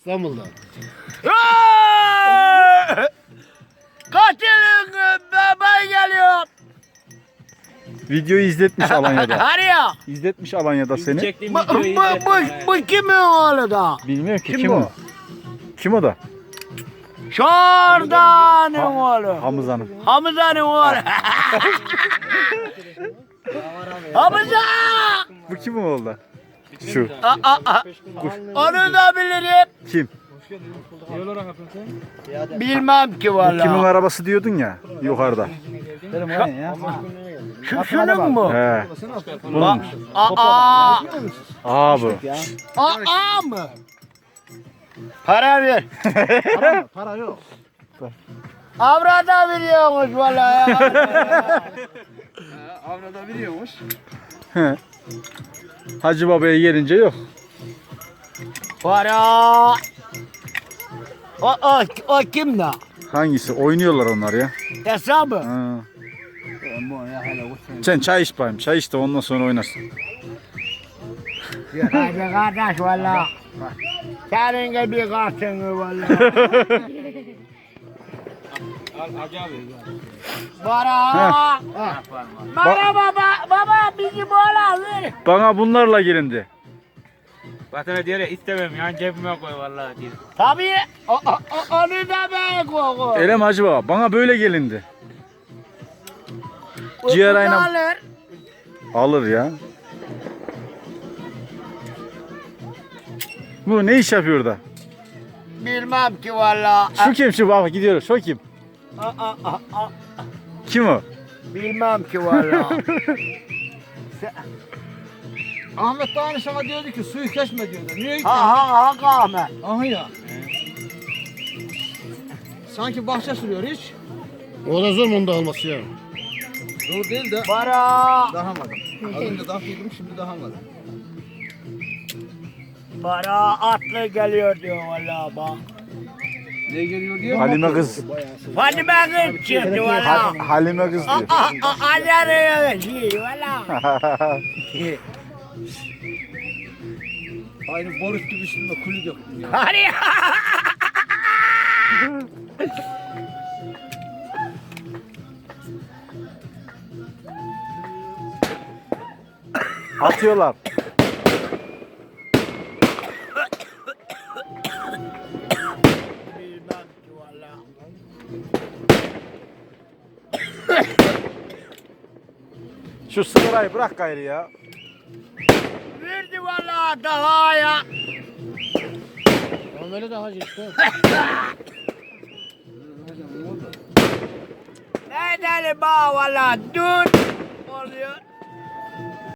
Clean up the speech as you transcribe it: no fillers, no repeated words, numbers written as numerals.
İstanbul'da. Kaçılın ben geliyorum. Videoyu izletmiş Alanya'da. Arıyor. İzletmiş Alanya'da seni. Çektiğim Bu, videoyu bu, izlettim. bu kimin oğlu da? Bilmiyorum ki Kim kim bu? o? Kim o da? Şordan'ın oğlu. Hamza'nın. Hamza'nın oğlu. Hamza! Bu kim o oldu? Şu. Onu da bilirim. Kim? Bilmem ki Kimin vallahi. arabası diyordun ya yukarıda. Şunun mu? He. Bunun. Aa Bu. aa mı? Para ver. Para yok. Avrada veriyormuş vallahi. Avrada biliyormuş. He. Hacı Baba'ya gelince yok. Para. O kim da? Hangisi? Oynuyorlar onlar ya. Hesabı. Ha. Sen çay iç bayım. Çay iç de ondan sonra oynarsın. Hadi kardeş valla. Senin gibi kartını valla. Al Hacı abi. Para. Para baba bizim oğlan ver. Bana bunlarla gelindi. Vatana diyor ya istemem yan cebime koy vallahi diyor. Tabii onu da ben koy. Elem Hacı Baba bana böyle gelindi. Ciğer aynen. Alır. Alır ya. Bu ne iş yapıyor da? Bilmem ki valla. Şu kim şu baba gidiyoruz. Şu kim? Kim o? Bilmem ki valla. Ahmet daha sana diyordu ki suyu kesme diyordu. Niye gittin? ha Ahmet. Aha ya. Sanki bahçe sürüyor hiç. O da zor mu onu da alması ya? Zor değil de Para. dahamadım. Az önce dahlıydım şimdi dahamadım. Para atlı geliyor diyor valla bak. Ne geliyor diyor? Halime kız. Fatime kız çıktı valla. Halime kız diyor. Acarı şey valla. Aynı Boris gibi üstünde kulü döktüm ya. Hadi. Atıyorlar. Bilmem ki valla. Şu sigarayı bırak gayrı ya. Verdi valla daha ya. Ama böyle de hacı işte. Ne deli bağ valla dur. Oluyor.